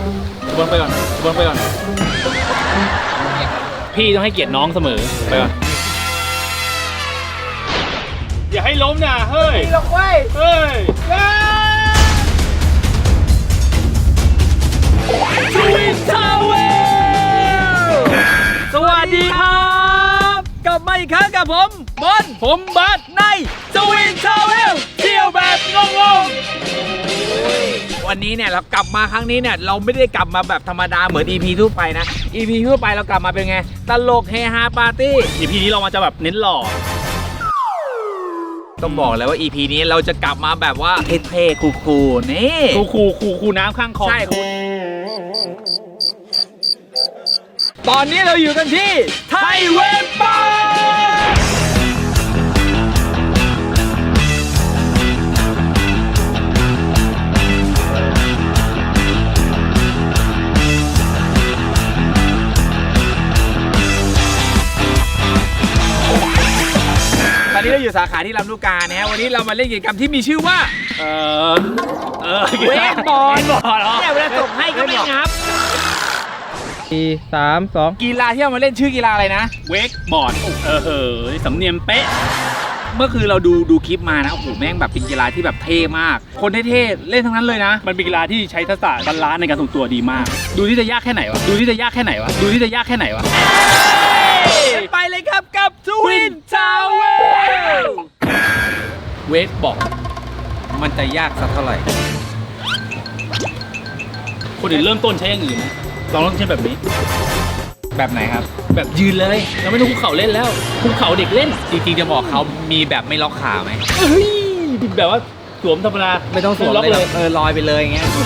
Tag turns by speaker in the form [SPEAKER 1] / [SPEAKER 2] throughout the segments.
[SPEAKER 1] บนไปก่อนบนไปก่อนพี่ต้องให้เกียรติน้องเสมอไปก่อนอย่าให้ล้มนะเฮ้ยลงไว้เฮ้ยทวินทาวเวลสวัสดีครับกลับมาอีกครั้งกับผมบอลผมบัสในทวินทาวเวลเที่ยวแบบงงๆวันนี้เนี่ยเรากลับมาครั้งนี้เนี่ยเราไม่ได้กลับมาแบบธรรมดาเหมือน EP ทั่วไปนะ EP ทั่วไปเรากลับมาเป็นไงตลกเฮฮาปาร์ตี้ EP นี้เรามาจะแบบเน้นหล่อต้องบอกเลยว่า EP นี้เราจะกลับมาแบบว่าเท่ๆคูลๆนี่คูลน้ำข้างคลองใช่คูลตอนนี้เราอยู่กันที่ไทยเวฟปาตอนนี้เราอยู่สาขาที่ลำลูกกานะฮะวันนี้เรามาเล่นกิจกรรมที่มีชื่อว่าเวกบอลเนี่ยเวลาส่งให้ก็ไม่งับ
[SPEAKER 2] 4 3 2
[SPEAKER 1] กีฬาที่เรามาเล่นชื่อกีฬาอะไรนะเวกบอร์ดสำเนียงเป๊ะเมื่อคืนเราดูคลิปมานะโอ้โหแม่งแบบเป็นกีฬาที่แบบเท่มากคนเท่ๆเล่นทั้งนั้นเลยนะมันเป็นกีฬาที่ใช้ทักษะบาลานซ์ในการทรงตัวดีมากดูที่จะยากแค่ไหนวะไปเลยครับกับทวินทาวเวลเวกบอร์ดมันจะยากสักเท่าไหร่คนอื่นเริ่มต้นใช้อย่างอื่นนะลองใช้แบบนี้แบบไหนครับแบบยืนเลยเราไม่ต้องคุกเข่าเล่นแล้วคุกเข่าเด็กเล่นจริงๆจะบอกเขามีแบบไม่ล็อกขาไหมแบบว่าสวมธรรมดา
[SPEAKER 2] ไม่ต้องสวมเลยลอยไปเลยอย่างเงี้ย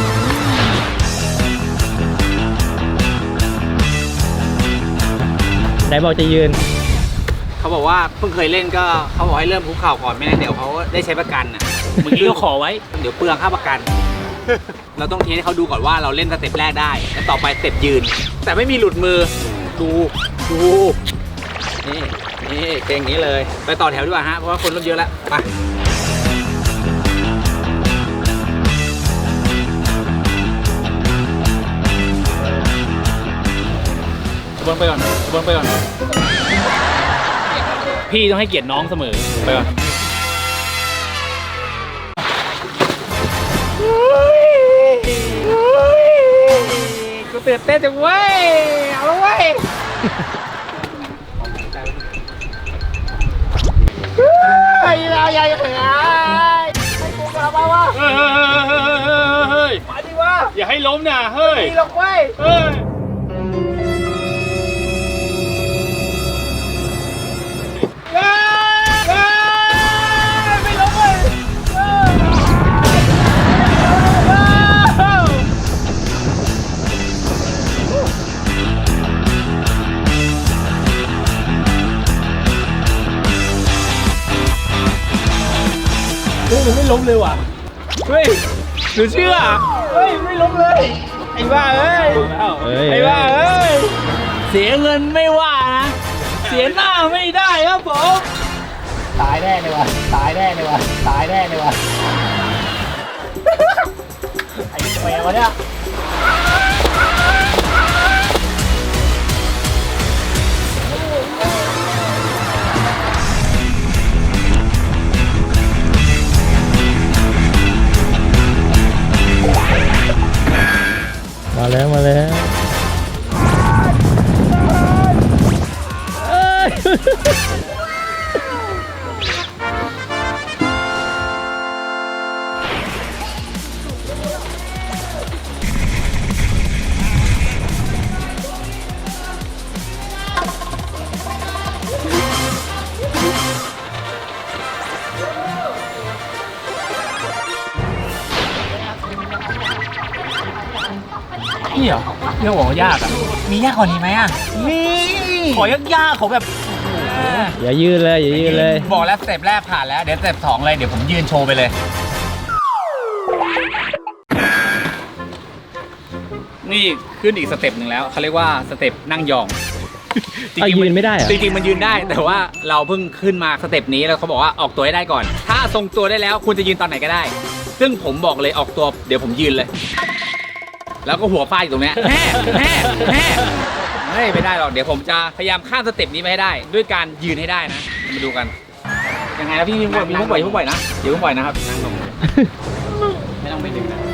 [SPEAKER 2] ไหนบอกจะยืน
[SPEAKER 3] เขาบอกว่าเพิ่งเคยเล่นก็เขาบอกให้เริ่มคุกเข่าก่อนไม่งั้นเดี๋ยวเขาได้ใช้ประกันอ่ะ
[SPEAKER 1] เมื่อกี้เราขอไว้
[SPEAKER 3] เดี๋ยวเปลืองค่าประกันเราต้องเทสให้เขาดูก่อนว่าเราเล่นสเต็ปแรกได้แล้วต่อไปสเต็ปยืนแต่ไม่มีหลุดมือดูนี่เก่งนี้เลยไปต่อแถวดีกว่าฮะเพราะว่าคนเริ่มเยอะแล้วไป
[SPEAKER 1] บนไปก่อนพี่ต้องให้เกียรติน้องเสมอไปก่อน
[SPEAKER 3] กูตื่นเต้นจังเว้ยเอาละเว้ยเราใหญ่เหรอให้กูกลับมาวะ
[SPEAKER 1] มาดิวะอย่าให้ล้มนะเฮ้ย
[SPEAKER 3] ลงไว้ไม่ล้มเว้ย
[SPEAKER 1] มันไม่ล้มเลยว่ะเฮ้ยหนูเชื่อ
[SPEAKER 3] เฮ้ยไม่ล้มเลยไอ้บ้าเอ้ย
[SPEAKER 1] เสียเงินไม่ว่านะเสียหน้าไม่ได้ครับผม
[SPEAKER 3] ตายแน่เลยวะไอ้แแมวเนี่ย
[SPEAKER 2] มาแล้ว
[SPEAKER 1] นี่เหรอเรื่องบอกว่ายากอ่ะ
[SPEAKER 3] มียากกว่านี้ไหมอ่ะ
[SPEAKER 1] มีขอยากๆขอแบบ
[SPEAKER 2] อย่ายืนเลย
[SPEAKER 3] บอกแล้วสเต็ปแรกผ่านแล้วเดี๋ยวสเต็ป2เลยเดี๋ยวผมยืนโชว์ไปเลย
[SPEAKER 1] นี่ขึ้นอีกสเต็ปหนึ่งแล้วเขาเรียกว่าสเต็ปนั่งยอง
[SPEAKER 2] ยืนไม่ได้เหรอ
[SPEAKER 3] จริงๆมันยืนได้แต่ว่าเราเพิ่งขึ้นมาสเต็ปนี้แล้วเขาบอกว่าออกตัวให้ได้ก่อนถ้าทรงตัวได้แล้วคุณจะยืนตอนไหนก็ได้ซึ่งผมบอกเลยออกตัวเดี๋ยวผมยืนเลยแล้วก็หัวฟาดอยู่ตรงเนี้ยแฮ่เฮ้ยไม่ได้หรอกเดี๋ยวผมจะพยายามข้ามสเต็ปนี้ไปให้ได้ ด้วยการยืนให้ได้นะมาดูกันยังไงนะพี่มีผู้ปล่อยนะเดี๋ยวผู้ปล่อยนะครับนั่งลงไม่ต้องไปดึงนะ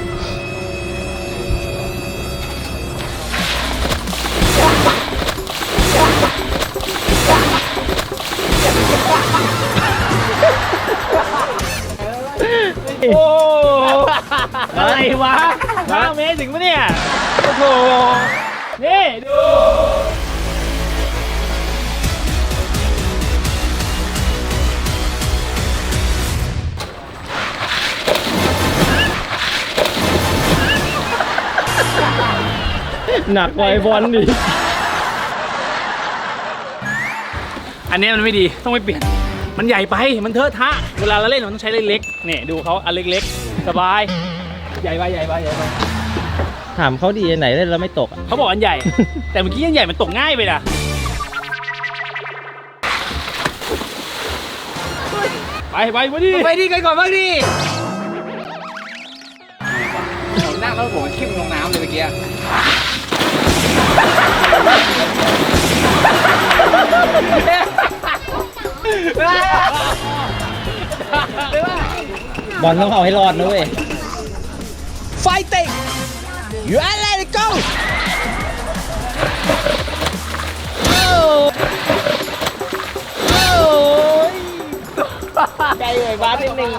[SPEAKER 1] โอ้อะไรวะ5 เมตรถึงปะเนี่ย โอ้โห นี่ดู
[SPEAKER 2] หนักกว่าไอ้บอลดิ
[SPEAKER 1] อันนี้มันไม่ดี ต้องไปเปลี่ยน มันใหญ่ไป มันเทอะทะ เวลาเราเล่นมันต้องใช้เล็กๆเนี่ยดูเขาอันเล็กๆ สบาย ใหญ่ไป
[SPEAKER 2] ถามเขาดีไหนเล่นแล้วไม่ตกอะ
[SPEAKER 1] เขาบอกอันใหญ่ แต่เมื่อกี้อันใหญ่มันตกง่ายไปนะไปวะดิ
[SPEAKER 3] ไปดีกันก่อนบ้างดิผมนั่งแล้วผมขึ้นลงน้ำเลยเมื่อกี้
[SPEAKER 2] บอลต้องเอาให้รอดนะเว้ย
[SPEAKER 3] Fighting you are let it go
[SPEAKER 1] ใจเลยบ้านิดนึง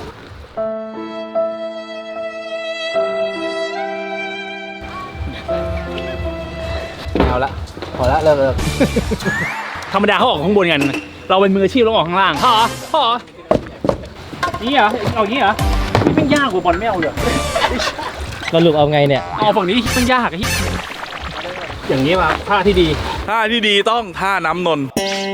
[SPEAKER 3] เอาละพอละเลิก
[SPEAKER 1] ธรรมดาเขาออกข้างบนกัน เราเป็นมืออาชีพเราออกข้างล่างพ่อนี่เหรอเอาอย่างนี้เหรอนี่เป็นยากกว่าบอลไม่เอาเลย
[SPEAKER 2] สรุปเอาไงเนี่ย
[SPEAKER 1] เอาฝั่งนี้มันยากอะอย่างนี้ป่ะท่าที่ดี
[SPEAKER 4] ท่าที่ดีต้องท่าน้ำนน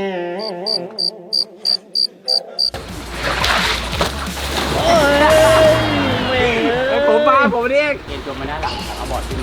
[SPEAKER 3] ผมเรียก
[SPEAKER 1] เอ็นจมมาด้านหลังเอาบอร์ดขึ้นมา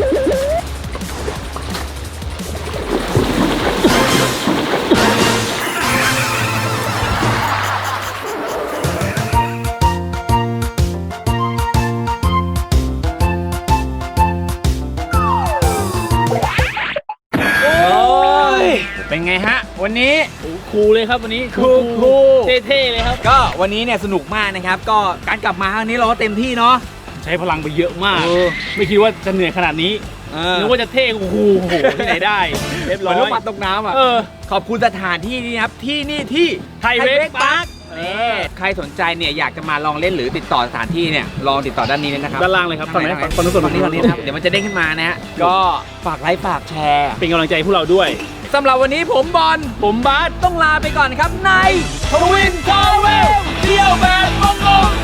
[SPEAKER 1] เป็นไงฮะ วันนี้คูลเลยครับวันนี้
[SPEAKER 3] คูล
[SPEAKER 1] เท่ๆเลยครับ
[SPEAKER 3] ก็วันนี้เนี่ยสนุกมากนะครับ ก็การกลับมาครั้งนี้เราก็เต็มที่เนาะ
[SPEAKER 1] ใช้พลังไปเยอะมาก
[SPEAKER 3] เออ
[SPEAKER 1] ไม่คิดว่าจะเหนื่อยขนาดนี้นึกว่าจะเท่โอ้โหที่ไหนได้เรียบ
[SPEAKER 3] เห
[SPEAKER 1] ร้
[SPEAKER 3] มื
[SPEAKER 1] อ
[SPEAKER 3] อน
[SPEAKER 1] ย
[SPEAKER 3] ลูกปัดตกน้ำอ่ะ
[SPEAKER 1] เออ
[SPEAKER 3] ขอบคุณสถานที่นี้นะครับ ที่นี่ที่
[SPEAKER 1] ไทยเวกพาร์ค
[SPEAKER 3] ใครสนใจเนี่ยอยากจะมาลองเล่นหรือติดต่อสถานที่เนี่ยลองติดต่อด้านนี้เลยนะครับ
[SPEAKER 1] ด้านล่างเลยครับฝั่งไหน
[SPEAKER 3] ด้า
[SPEAKER 1] ฝั่งนู้น
[SPEAKER 3] ฝั่งนี้นะครับเดี๋ยวมันจะเด้งขึ้นมานะฮะก็ฝากไลค์ฝากแชร์
[SPEAKER 1] เป็นกำลังใจให้พวกเราด้วย
[SPEAKER 3] สำหรับวันนี้ผมบอล
[SPEAKER 1] ผมบาส
[SPEAKER 3] ต้องลาไปก่อนครับใน
[SPEAKER 1] ทวินทาวเวลเที่ยวแบบงงๆ